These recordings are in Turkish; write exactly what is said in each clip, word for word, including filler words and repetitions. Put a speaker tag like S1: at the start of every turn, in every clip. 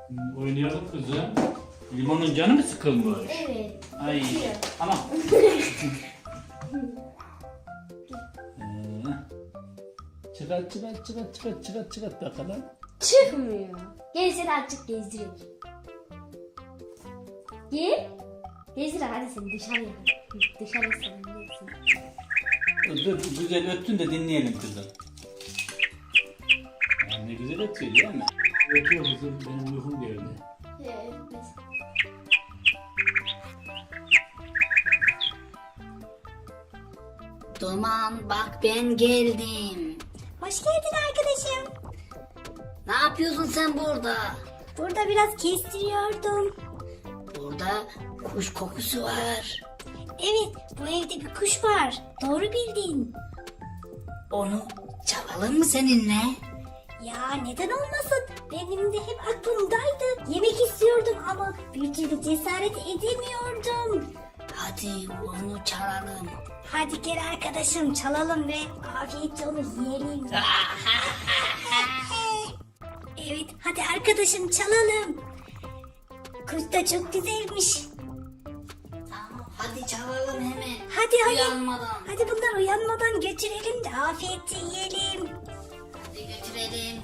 S1: Oynayalım kızım. Limonun canı mı sıkılmış?
S2: Evet.
S1: Ay. Tamam. ee, çıkart çıkart çıkart çıkart çıkart çıkart bakalım.
S2: Çıkmıyor. Gel seni açık gezdireyim. Gel. Gezdir hadi seni dışarıya. Dışarı salınıyorsun.
S1: Dur güzel öttün de dinleyelim kızım. Yani ne güzel ötüyor değil mi? Ötüyor kızım, benim uykum geldi.
S2: Evet.
S3: Duman bak ben geldim.
S4: Hoş geldin arkadaşım.
S3: Ne yapıyorsun sen burada?
S4: Burada biraz kestiriyordum.
S3: Burada kuş kokusu var.
S4: Evet, bu evde bir kuş var. Doğru bildin.
S3: Onu çalalım mı seninle?
S4: Ya neden olmasın? Benim de hep aklımdaydı. Yemek istiyordum ama bir türlü cesaret edemiyordum.
S3: Hadi onu çalalım.
S4: Hadi gel arkadaşım çalalım ve afiyetle onu yiyelim. Evet, hadi arkadaşım çalalım. Kuş da çok güzelmiş.
S3: Tamam hadi çalalım hemen.
S4: Hadi hadi.
S3: Uyanmadan.
S4: Hadi bunlar uyanmadan götürelim de afiyetle yiyelim.
S3: Hadi götürelim.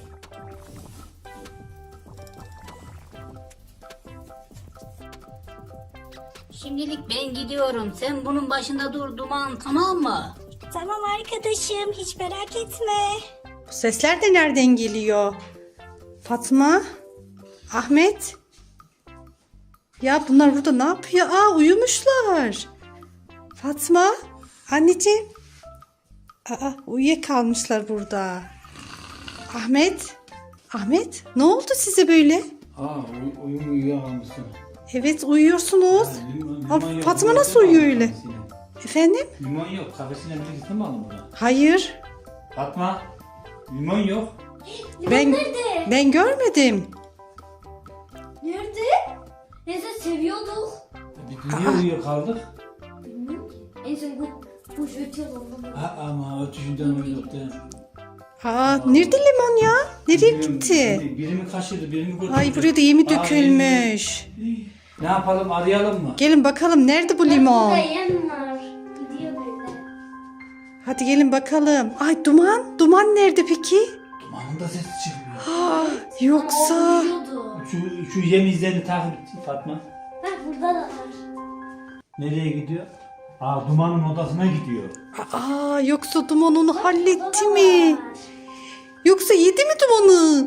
S3: Şimdilik ben gidiyorum. Sen bunun başında dur Duman, tamam mı?
S4: Tamam arkadaşım, hiç merak etme.
S5: Bu sesler de nereden geliyor? Fatma? Ahmet? Ya bunlar burada ne yapıyor? Aa uyumuşlar. Fatma? Anneciğim? Aa uyuyakalmışlar burada. Ahmet? Ahmet? Ne oldu size böyle?
S1: Aa uy uyum uyuyakalmışsın.
S5: Evet uyuyorsunuz.
S1: Ha, limon-
S5: Aa,
S1: limon yok.
S5: Fatma
S1: Limon
S5: nasıl
S1: yok,
S5: uyuyor
S1: limon
S5: öyle?
S1: yok.
S5: Efendim?
S1: Limon yok. Kafesine birlikte mi aldın bunu?
S5: Hayır.
S1: Fatma. Limon yok.
S2: Limon
S5: Ben
S2: nerede?
S5: ben görmedim.
S2: Nerede? Neyse seviyorduk.
S1: Biz niye uyuyor kaldık?
S2: Bilmiyorum ki. En son bu kuş ötüyordu ondan.
S1: Ha ama ötüşünden uyuduk değil mi?
S5: Aa nerede limon ya? Nereye
S1: Bilmiyorum,
S5: gitti?
S1: biri- Biri mi kaçırdı, biri mi götürdü?
S5: Ay buraya da yemi
S1: Aa,
S5: dökülmüş.
S1: biri- Ne yapalım, arayalım mı?
S5: Gelin bakalım nerede bu
S2: Burada
S5: limon?
S2: yem var. Gidiyor böyle.
S5: Hadi gelin bakalım. Ay duman, duman nerede peki?
S1: Dumanın da sesi çıkmıyor.
S5: Aa, yoksa
S2: Uyuyordu.
S1: Şu, şu yem izlerini takip et Fatma.
S2: Bak burada da var.
S1: Nereye gidiyor? Aa dumanın odasına gidiyor.
S5: aa yoksa duman onu halletti
S2: Burada da
S5: mi?
S2: var.
S5: Yoksa yedi mi dumanı?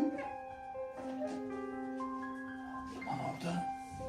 S1: Duman orada.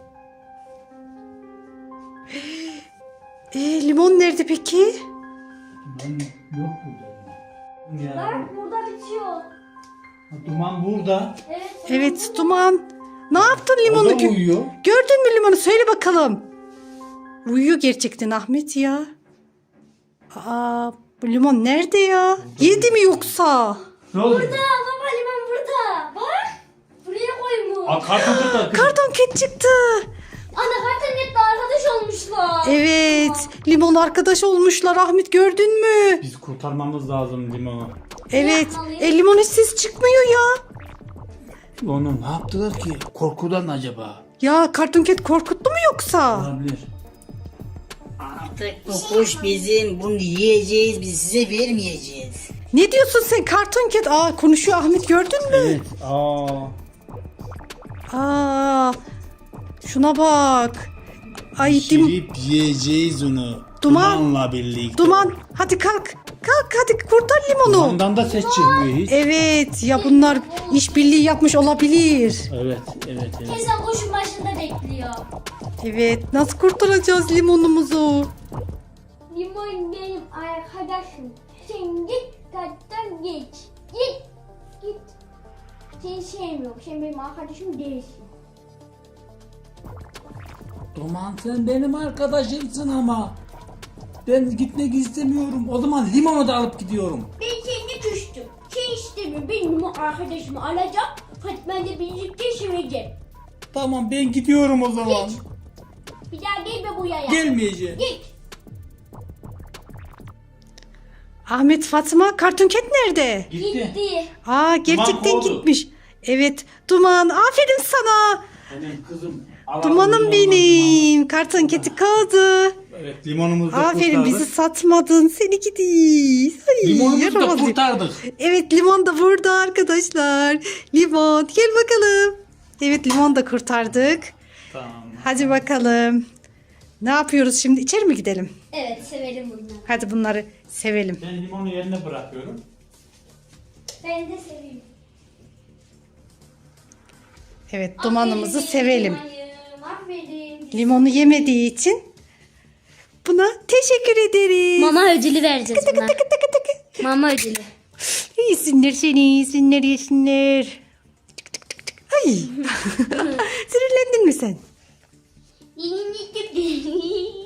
S5: E limon nerede peki?
S1: Duman yok burada. Ya.
S2: Bak burada bitiyor.
S1: Ha, Duman burada.
S2: Evet.
S5: Evet duman. Ne yaptın
S1: O
S5: limonu?
S1: da
S5: Gö-
S1: uyuyor.
S5: Gördün mü limonu? Söyle bakalım. Uyuyor gerçekten Ahmet ya. Aa bu limon nerede ya? Yedi mi yoksa?
S1: Ne oldu?
S2: Burada baba limon burada. Bak. Buraya koymuş.
S1: Aa karton burada.
S5: Karton ket çıktı.
S2: Ana kartonette arkadaş olmuşlar.
S5: Evet. Limon arkadaş olmuşlar Ahmet gördün mü?
S1: Biz kurtarmamız lazım limonu.
S5: Evet.
S2: yapmalıyız?
S5: E limon hiç ses çıkmıyor ya.
S1: Onu ne yaptılar ki? Korkudan acaba?
S5: Ya Karton Ket korkuttu mu yoksa?
S1: Olabilir.
S3: Artık bu kuş bizim. Bunu yiyeceğiz. Biz size vermeyeceğiz.
S5: Ne diyorsun sen Karton Ket? Aa konuşuyor Ahmet gördün mü?
S1: Evet. Aa.
S5: Aa şuna bak. Ay dim,
S1: Pişirip yiyeceğiz onu.
S5: Duman.
S1: Dumanla birlikte.
S5: duman hadi kalk. Kalk hadi kurtar limonu.
S1: Dumandan da ses çıkmıyor hiç.
S5: Evet ya bunlar işbirliği yapmış olabilir.
S1: Evet, evet, evet.
S2: Kesin kuşun başında bekliyor.
S5: Evet nasıl kurtaracağız limonumuzu?
S2: Limon benim arkadaşım. Sen git kattan geç. Git. Git. Seni sevmiyorum. Sen benim arkadaşım değilsin.
S1: Duman sen benim arkadaşımsın ama. Ben gitmek istemiyorum. O zaman limonu da alıp gidiyorum.
S2: Ben seni küstüm. Sen istemiyorum. Benim limon arkadaşımı alacağım. Fatma ile birlikte seveceğim.
S1: Tamam ben gidiyorum o zaman.
S2: Git. Bir daha gelme buraya.
S1: Gelmeyeceğim.
S2: Git.
S5: Ahmet Fatma Karton Ket nerede?
S1: Gitti.
S2: Gitti.
S5: Aa gerçekten
S1: kovdu.
S5: gitmiş. Evet Duman, aferin sana.
S1: Benim kızım. Alalım
S5: Dumanım
S1: limondan
S5: benim. Karton keti kaldı.
S1: limonu. Evet limonumuzu da
S5: Aferin,
S1: kurtardık.
S5: bizi satmadın. Seni gidiyiz. Ay,
S1: Limonumuzu da
S5: yaramaz ya.
S1: kurtardık.
S5: Evet, limon da burada arkadaşlar. Limon, gel bakalım. Evet, limon da kurtardık.
S1: Tamam.
S5: Hadi bakalım. Ne yapıyoruz şimdi? İçeri mi gidelim?
S2: Evet severim bunları.
S5: Hadi bunları sevelim.
S1: Ben limonu yerine bırakıyorum.
S2: Ben de seviyorum.
S5: Evet, dumanımızı
S2: Aferin,
S5: sevelim.
S2: limonum, Aferin.
S5: Limonu yemediği için buna teşekkür ederiz.
S6: Mama ödülü vereceğiz buna.
S5: Tıkı tıkı tıkı.
S6: Mama ödülü.
S5: İyisinler seni, iyisinler, yesinler. Tık tık tık tık. Ay. Sinirlendin mi sen?
S2: Yeni